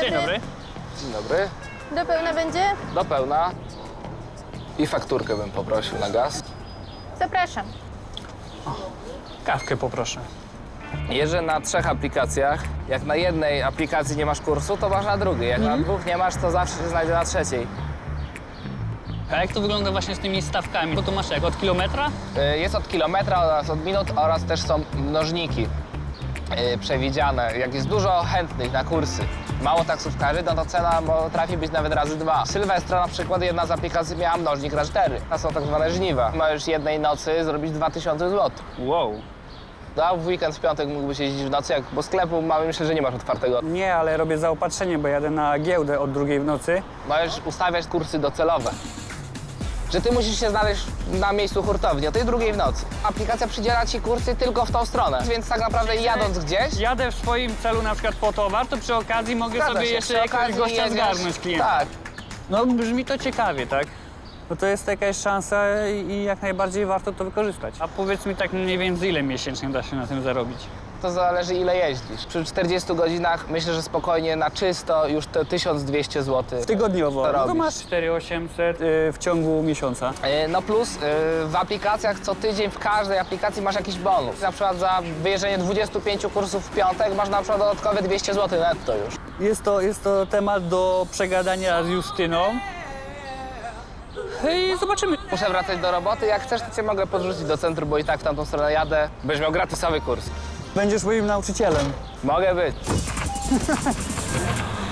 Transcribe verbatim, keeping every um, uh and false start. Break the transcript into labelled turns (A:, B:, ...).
A: Dzień dobry.
B: Dzień dobry.
C: Do pełna będzie?
B: Do pełna. I fakturkę bym poprosił na gaz.
C: Zapraszam.
A: Kawkę poproszę.
B: Jeżdżę na trzech aplikacjach. Jak na jednej aplikacji nie masz kursu, to masz na drugiej. Jak na dwóch nie masz, to zawsze się znajdzie na trzeciej.
A: A jak to wygląda właśnie z tymi stawkami? Bo to masz jak, od kilometra?
B: Y, Jest od kilometra oraz od minut oraz też są mnożniki y, przewidziane. Jak jest dużo chętnych na kursy, mało taksówkarzy, no to cena potrafi być nawet razy dwa. Sylwestra na przykład jedna z aplikacji miała mnożnik razy cztery. To są tak zwane żniwa. Możesz jednej nocy zrobić dwa tysiące złotych.
A: Wow.
B: A w weekend, w piątek mógłbyś jeździć w nocy, jak, bo sklepu mamy, myślę, że nie masz otwartego.
D: Nie, ale robię zaopatrzenie, bo jadę na giełdę od drugiej w nocy.
B: Możesz ustawiać kursy docelowe. Że ty musisz się znaleźć na miejscu hurtowni o tej drugiej w nocy. Aplikacja przydziela ci kursy tylko w tą stronę, więc tak naprawdę jadąc gdzieś...
D: Jadę w swoim celu na przykład po towar, to przy okazji mogę
B: Zgadza
D: sobie
B: się,
D: jeszcze
B: przy
D: jakiegoś
B: okazji
D: gościa
B: jedziesz-
D: zgarnąć klienta.
B: Tak.
D: No brzmi to ciekawie, tak? No to jest jakaś szansa i jak najbardziej warto to wykorzystać. A powiedz mi tak mniej więcej ile miesięcznie da się na tym zarobić?
B: To zależy ile jeździsz. Przy czterdziestu godzinach myślę, że spokojnie na czysto już te tysiąc dwieście złotych.
D: Tygodniowo.
B: To
D: No to
B: robisz.
D: masz cztery tysiące osiemset y, w ciągu miesiąca.
B: E, No plus y, w aplikacjach co tydzień w każdej aplikacji masz jakiś bonus. Na przykład za wyjeżdżenie dwudziestu pięciu kursów w piątek masz na przykład dodatkowe dwieście złotych netto już.
D: Jest to, jest to temat do przegadania z Justyną. I zobaczymy.
B: Muszę wracać do roboty. Jak chcesz, to cię mogę podrzucić do centrum, bo i tak w tamtą stronę jadę. Będziesz miał gratisowy kurs.
D: Będziesz moim nauczycielem.
B: Mogę być.